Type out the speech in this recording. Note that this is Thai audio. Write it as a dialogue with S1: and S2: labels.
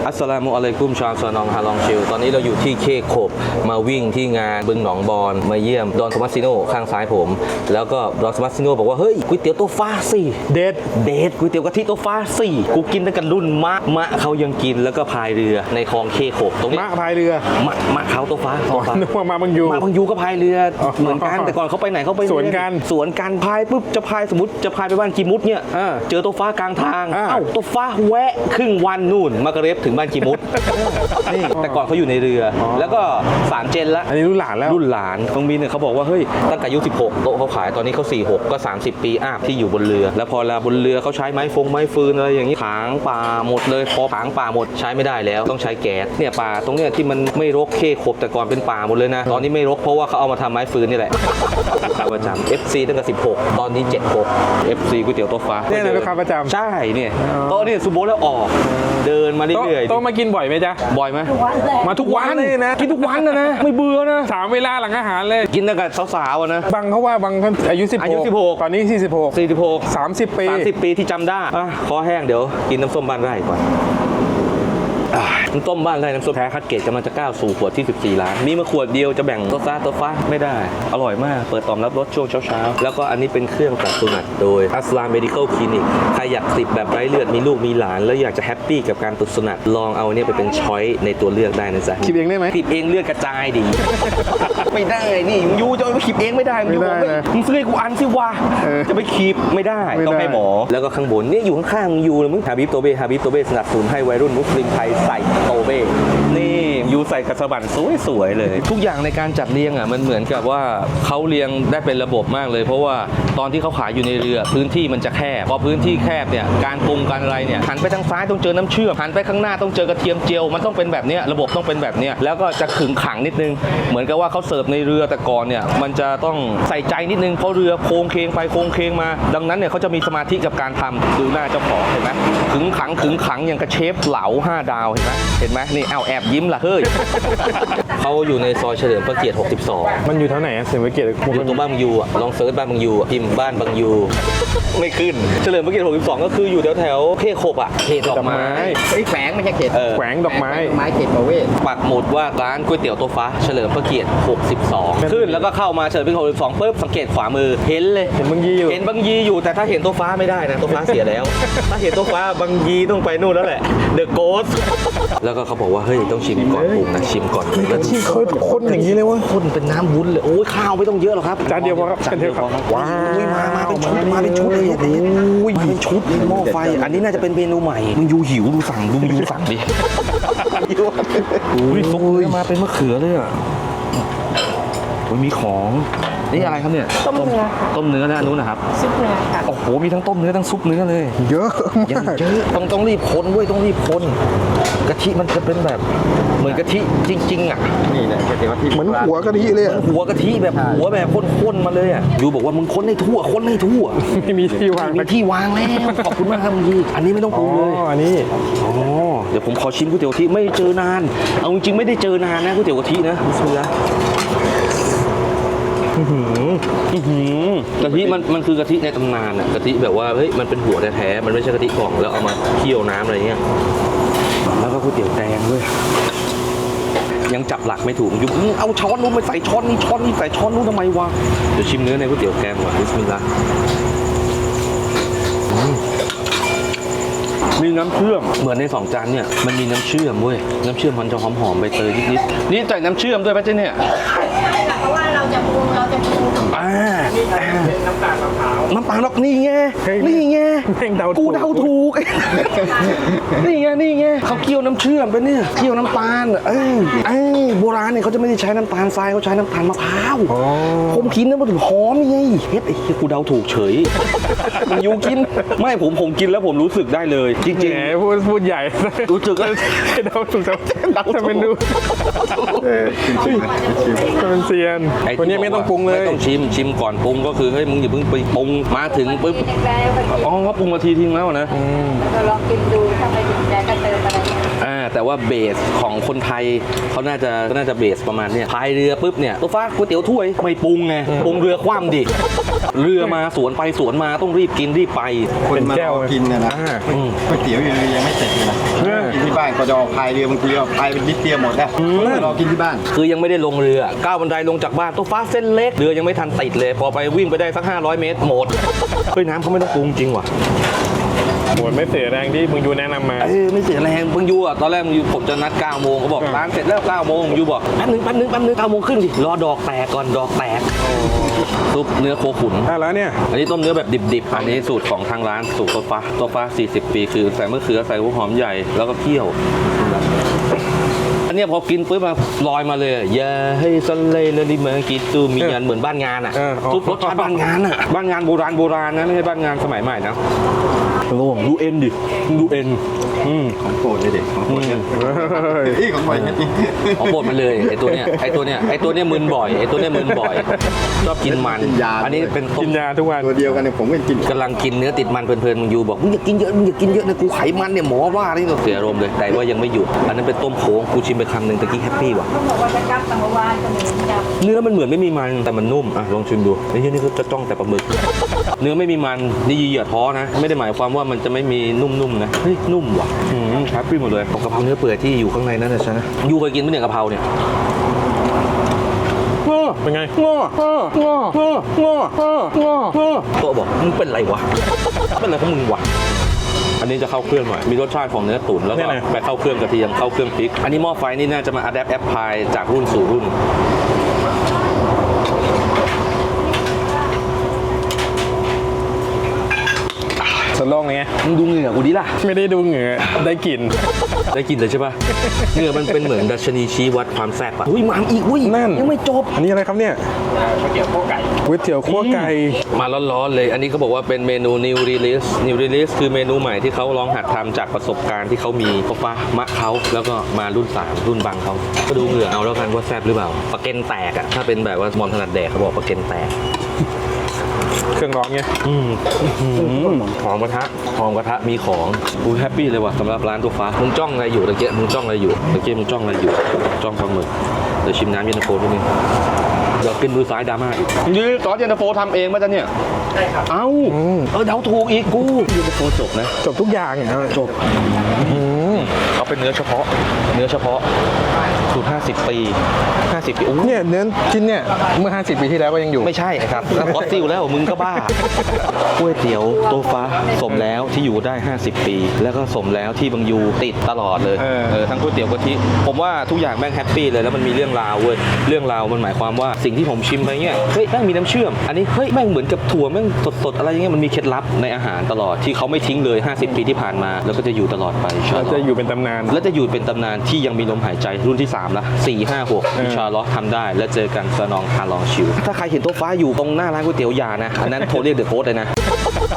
S1: อัสสลามุอะลัยกุมชาวซานองฮาลองชิลตอนนี้เราอยู่ที่เคโคบมาวิ่งที่งานบึงหนองบอนมาเยี่ยมดอนโทมัสซิโนข้างซ้ายผมแล้วก็ดอนโทมัสซิโนบอกว่าเฮ้ยก๋วยเตี๋ยวโต๊ะฟ้าสิเด็ดก๋วยเตี๋ยวกะทิโต๊ะฟ้าสิกูกินตั้งแต่รุ่นมะเขายังกินแล้วก็พายเรือในคลองเคโคบตรงนี้
S2: มะพายเรือ
S1: มะเขาโต๊ะฟ้า
S2: นึกว่ามาบางยู
S1: ก็พายเรือเหมือนกันแต่ก่อนเขาไปไหนเขาไป
S2: สวนกัน
S1: พายปุ๊บจะพายสมมติจะพายไปบ้านกีมุดเนี่ยเจอโต๊ะฟ้ากลางทางโต๊ะฟ้าแวะครึ่งวันนู่นมากระเร็บถึงบ้านกีมุดนี่แต่ก่อนเขาอยู่ในเรือแล้วก็3 เจนละ
S2: อันนี้รุ่นหลานแล้ว
S1: รุ่นหลานตรงมีเนี่ยเขาบอกว่าเฮ้ยตั้งแต่อายุ16โต๊ะเขาขายตอนนี้เขา46ก็30 ปีอัพที่อยู่บนเรือแล้วพอลาบนเรือเขาใช้ไม้ฟืนอะไรอย่างนี้ถางป่าหมดเลยพอถางป่าหมดใช้ไม่ได้แล้วต้องใช้แก๊สเนี่ยป่าตรงเนี้ยที่มันไม่รกเคโคบแต่ก่อนเป็นป่าหมดเลยนะตอนนี้ไม่รกเพราะว่าเขาเอามาทำไม้ฟืนนี่แหละลูกค้าประจำ FC ตั้งแต่16ตอนนี้76 FC ก๋วยเตี๋ยวโต๊ะฟ้า
S2: เนี่ยลูกค้าประจำ
S1: ใช่เนี่ยโต๊ะนี่ซูโบแล้วออกเดินมาเรื่อยๆ
S2: โต๊ะมากินบ่อยไหมจ๊ะ
S1: บ่อยไหม
S2: มาทุกวันเลยนะ
S1: กินทุกวันนะไม่เบื่อนะ
S2: 3 เวลาหลังอาหารเลย
S1: กินตั้งแต่สาวๆนะ
S2: บางเขาว่าบางอายุ16ตอนนี้46 30
S1: ปีที่จำได้คอแห้งเดี๋ยวกินน้ำส้มบ้านไร่ก่อนน้ำส้มบ้านไร่น้ำส้มแท้คัดเกรดกำลังจะก้าวสู่ขวดที่14 ล้านมีมาขวดเดียวจะแบ่งตัวฟ้าไม่ได้อร่อยมากเปิดตอมรับรสช่วงเช้าแล้วก็อันนี้เป็นเครื่องตัดสุนัขโดยอัสลามเมดิคอลคลินิกใครอยากติดแบบไร้เลือดมีลูกมีหลานแล้วอยากจะแฮปปี้กับการตัดสุนัขลองเอาเนี่ยไปเป็นช้อยในตัวเลือกได้นะจ๊ะ
S2: คิดเองได้ไหม
S1: คิดเองเลือดกระจายดี ไม่ได้นี่ยูจะไปขีบเองไม่ได้มึงบอกมึงซื้อให้กูอันสิวะจะไปขีบไม่ได้ต้องให้หมอแล้วก็ข้างบนนี่อยู่ข้างๆยูเลยมึงฮาบิบโตเบ้สนับสนุนให้วัยรุ่นมุสลิมไทยใส่โตเบ้นี่ยูใส่กระสบันสวยๆเลยทุกอย่างในการจัดเรียงมันเหมือนกับว่าเขาเรียงได้เป็นระบบมากเลยเพราะว่าตอนที่เขาขายอยู่ในเรือพื้นที่มันจะแคบพอพื้นที่แคบเนี่ยการปรุงการอะไรเนี่ยหันไปทางซ้ายต้องเจอน้ำเชื่อมหันไปข้างหน้าต้องเจอกระเทียมเจียวมันต้องเป็นแบบนี้ระบบต้องเป็นแบบนี้แล้วก็จะขึงขังนิดนึงเหมือนกับว่าเขาเสิร์ฟในเรือแต่ก่อนเนี่ยมันจะต้องใส่ใจนิดนึงเพราะเรือโค้งเคงไปโค้งเคงมาดังนั้นเนี่ยเขาจะมีสมาธิกับการทำดูหน้าเจ้าของเห็นไหมขึงขังอย่างกระเชฟเหลา5 ดาวเห็นไหมนี่เอาแอบยิ้มล่ะเฮ้ย เขาอยู่ในซอยเฉลิมพระเกียรติ62
S2: มันอยู่แถวไหนเฉลิมพระเกียรติ
S1: อยู่ตรงบ้านบางยูลองเซิร์ชบ้านบางยูพิมพ์บ้านบางยูไม่ขึ้นเฉลิมพระเกียรติ62ก็คืออยู่แถวเคโคบเขตดอกไม้
S3: แฝงไม่ใช่เขต
S2: แฝงดอกไม้
S3: เขตประเวศ
S1: ปักหมุดว่าร้านก๋วยเตี๋ยวโต๊ะฟ้าเฉลิมพระเกียรติ62ขึ้นแล้วก็เข้ามาเฉลิมพระเกียรติ62ปุ๊บสังเกตขวามือเห็นเลย
S2: เห็นบางยี
S1: อยู่แต่ถ้าเห็นโต๊ะฟ้าไม่ได้นะโต๊ะฟ้าเสียแล้วถ้าเห็นโต๊ะฟ้าบางยีต้องไปนู่นแล้วแหละเดอะโกสแล้วก็เขาบอกว่าเฮ้ยต้องชิมก่อนปรุงนะชิมก่อน
S2: กะทิข้นอย่างนี้เลยวะ
S1: ข้นเป็นน้ำวุ้นเลยโอ้ยข้าวไม่ต้องเยอะหรอกครับ
S2: จานเดียวพอครับจานเดียวครับ
S1: ว้าวมาเป็นชุดเลยมาเป็นชุดหม้อไฟอันนี้น่าจะเป็นเมนูใหม่มึงยูหิวดูสั่งดิอุ้ยซุปมาเป็นมะเขือเลยอ่ะมีของนี่อะไรครับเนี่ย
S3: ต้มเนื้อ
S1: นะอันนู้นนะครับ
S3: ซุปเนื้อค่ะ
S1: โอ้โหมีทั้งต้มเนื้อทั้งซุปเนื้อเลย
S2: เยอะมาก
S1: ต้องรีบคนเว้ยต้องรีบคนกะทิมันจะเป็นแบบเหมือนกะทิจริงๆอ่ะ
S3: นี่แหละกะทิ
S2: เหมือนหัวกะทิเลย
S1: หัวกะทิแบบหัวแบบข้นๆมาเลยอ่ะยูบอกว่ามึงคนให้ทั่ว
S2: ไม่มีที่วาง
S1: แล้วขอบคุณมากครับมึงอันนี้ไม่ต้องปรุงเลย
S2: อันนี้
S1: เดี๋ยวผมขอชิมก๋วยเตี๋ยวกะทิไม่เจอนานเอาจริงๆไม่ได้เจอนานนะก๋วยเตี๋ยวกะทินะบิสมิลลาห์กะทิมันคือกะทิในตำนานอ่ะกะทิแบบว่าเฮ้ยมันเป็นหัวแท้ๆมันไม่ใช่กะทิกล่องแล้วเอามาเคี่ยวน้ำอะไรเงี้ยแล้วก็ก๋วยเตี๋ยวแดงด้วยยังจับหลักไม่ถูกอยู่เอาช้อนนู้นไปใส่ช้อนนี้ใส่ช้อนนู้นทำไมวะเดี๋ยวชิมเนื้อในก๋วยเตี๋ยวแกงก่อนบิสมิลลาห์มีน้ำเชื่อมเหมือนใน2 จานเนี่ยมันมีน้ำเชื่อมเว้ยน้ำเชื่อมมันจะหอมๆใบเตยนิดๆนี่ใส่น้ำเชื่อมด้วยป่ะเจ๊เนี่ย
S3: เพราะว่าเราจะปรุง
S1: น้ำตาลมะพร้าวน้ำตาลนี่ไงกูเดาถูกนี่ไงเขาเคี่ยวน้ำเชื่อมไปเนี่ยเคี่ยวน้ำตาลโบราณเนี่ยเขาจะไม่ได้ใช้น้ำตาลทรายเขาใช้น้ำตาลมะพร้าวผมกินแล้วมันถึงหอมไงเฮ็ดไอ้กูเดาถูกเฉยมันยูกินไม่ผมกินแล้วผมรู้สึกได้เลยจริง
S2: ๆพูดใหญ่
S1: รู้สึก
S2: เดาถูกแต่เป็นดูเป็นเซียนคนนี้ไม่ต้องปรุงเลย
S1: ไม่ต้องชิมก่อนปรุงก็คือเฮ้ยมึงอย่าเพิ่งไปปรุงมาถึงปุ๊บเขาปรุงมาทีทิ้งแล้วนะ
S3: เราลองกินดูถ้าไม่ถึงใจก็เติมอะไร
S1: แต่ว่าเบสของคนไทยเขาน่าจะเบสประมาณเนี้ยพายเรือปุ๊บเนี่ยตัวฟ้าก๋วยเตี๋ยวถ้วยไม่ปรุงไงปรุงเรือคว่ำดิเรือมาสวนไปสวนมาต้องรีบกินรีบไป
S2: คนมารอกินเนี่ยนะก๋วยเตี๋ยวยังไม่เสร็จเลยนะกินที่บ้านก็จะเอาพายเรือบางทีเอาพายเป็นนิดเดียวหมดแล้วรอกินที่บ้าน
S1: คือยังไม่ได้ลงเรือก้าวบันไดลงจากบ้านตัวฟ้าเส้นเล็กเรือยังไม่ทันติดเลยพอไปวิ่งไปได้สัก500 เมตรหมดเฮ้ยน้ำเขาไม่ต้องปรุงจริงว่ะ
S2: หมดไม่เสียแรงที่มึงยูแนะนำมา
S1: ไม่เสียแรงมึงยูอ่ะตอนแรกมึงยูผมจะนัด9 โมงเขาบอกร้านเสร็จแล้ว9 โมงยูบอกแป๊บนึง9 โมงครึ่งดิรอดอกแตกก่อนดอกแตกซุปเนื้อโคขุน
S2: แล้วเนี่ย
S1: อันนี้ต้มเนื้อแบบดิบๆอันนี้สูตรของทางร้านสูตรตัวฟ้า40 ปีคือใส่มะเขือใส่หัวหอมใหญ่แล้วก็เคี่ยวอันเนี้ยพอกินปุ๊บมาลอยมาเลยอย่าให้ซันเลยเลยมากินตูมียันเหมือนบ้านงานอ่ะซุปรสชาติบ้านงานอ่ะบ้านงานโบราณนะไม่ใช่บ้านงานสมัยใหม่นะระวังดูเอ็นดิดูเอ็น
S2: ของโปรดเลยเด็กของโปรดเนี่ยของบ่อยจริง
S1: ของโปรดมันเลยไอตัวเนี้ยมึนบ่อยชอบกินมันอันนี้เป็นต้ม
S2: กินยาทุกวันตัวเดียวกันเนี่ยผมก็กิน
S1: กำลังกินเนื้อติดมันเพลินๆมึงอยู่บอกมึงอย่ากินเยอะนะกูไขมันเนี่ยหมอว่านี่เสียอารมณ์เลยแต่ว่ายังไม่หยุดอันนั้นเป็นต้มโค้งกูชิมไปคำหนึ่งตะกี้แฮปปี้ว่ะ
S3: ต้องบอกว่าจะจับสังวาลจะเหมือนจับ
S1: เนื้อมันเหมือนไม่มีมันแต่มันนุ่มอ่ะลองชิมดูไอ้เหี้ยนี่ก็จะจ้องแต่ปลาหมึก เนื้อไม่มีมันนี่อย่าท้อนะไม่ได้หมายความว่ามันจะไม่มีนุ่มๆนะเฮ้ยนุ่มว่ะแฮปปี้หมดเลยกะเพราเนื้อเปื่อยที่อยู่ข้างในนั่นนะใช่ไหมยูเคยกินไหมเนี่ยกะเพราเนี่ย
S2: เป็นไง
S1: ตัวบอกมึงเป็นไรวะเป็นอะไรของมึงวะอันนี้จะเข้าเครื่องหน่อยมีรสชาติของเนื้อตุ๋นแล้วก็ไปเข้าเครื่องกระเทียมเข้าเครื่องพริกอันนี้หม้อไฟนี่น่าจะมา adapt apply จากรุ่นสู่รุ่น
S2: สโลงไง
S1: มึงดูเหงื่อกูดิล่ะ
S2: ไม่ได้ดูเหงื่อได้กลิ่น
S1: เลยใช่ป่ะเหงื่อมันเป็นเหมือนดัชนีชี้วัดความแซ่บอ่ะอุ้ยมาอีกอุ้ย
S2: นั่น
S1: ยังไม่จบ
S2: อันนี้อะไรครับเนี่ยก๋วยเตี๋ยวคั่วไก่
S1: มาร้อนๆเลยอันนี้เขาบอกว่าเป็นเมนู new release คือเมนูใหม่ที่เขาลองหัดทำจากประสบการณ์ที่เขามีก็ฟ้ามะเขาแล้วก็มารุ่น3รุ่นบังเขาก็ดูเหงื่อเอาแล้วกันว่าแซ่บหรือเปล่าปลาเก็นแตกอ่ะถ้าเป็นแบบว่ามอนถนัดแดกเขาบอกปลาเก็นแตก
S2: เครื่องร้อนไง
S1: หอมกระทะมีของกูแฮปปี้เลยว่ะสำหรับร้านตัวฟ้ามึงจ้องอะไรอยู่ตะเกียบมึงจ้องอะไรอยู่จ้องปลาหมึกเดี๋ยวชิมน้ำเย็นตาโฟนิดนึงเดี๋ยวขึ้นมือซ้ายดราม่าอีกนี่ซอสเย็นตาโฟทำเองไหมจ๊ะเนี่ยใช่ครับเดาถูกอีกกูเย็นตาโฟจบนะ
S2: จบทุกอย่างอ่ะ
S1: จบเขาเป็นเนื้อเฉพาะสูตร50 ปีโอ้
S2: เนี่ยเนื้อชิ้นเนี่ยเมื่อ50 ปีที่แล้วก็ยังอยู่
S1: ไม่ใช่ครับแล้วฟอสซิลแล้วมึงก็บ้าก๋วยเตี๋ยวโตฟ้าสมแล้วที่อยู่ได้50 ปีแล้วก็สมแล้วที่บางยูติดตลอดเลยทั้งก๋วยเตี๋ยวกะทิผมว่าทุกอย่างแม่งแฮปปี้เลยแล้วมันมีเรื่องราวเว้ยเรื่องราวมันหมายความว่าสิ่งที่ผมชิมไปเงี้ยเฮ้ยแม่งมีน้ำเชื่อมอันนี้เฮ้ยแม่งเหมือนกับถั่วแม่งสดๆอะไรเงี้ยมันมีเคล็ดลับในอาหารตลอดที่เขาไม่ทิ้งเลย50 ปีที่ผ่านมาแล้วก็จะอยู่ตลอดไป
S2: จะอยู่เป็นตำนาน
S1: และจะอยู่เป็นตำนานที่ยังมีลมหายใจรุ่นที่3ละ4 5 6อินชาอัลลอฮ์ทำได้และเจอกันสนองคาลองชิวถ้าใครเห็นโต๊ะฟ้าอยู่ตรงหน้าร้านก๋วยเตี๋ยวยานะอันนั้นโทรเรียกเดอะโค้ดเลยนะ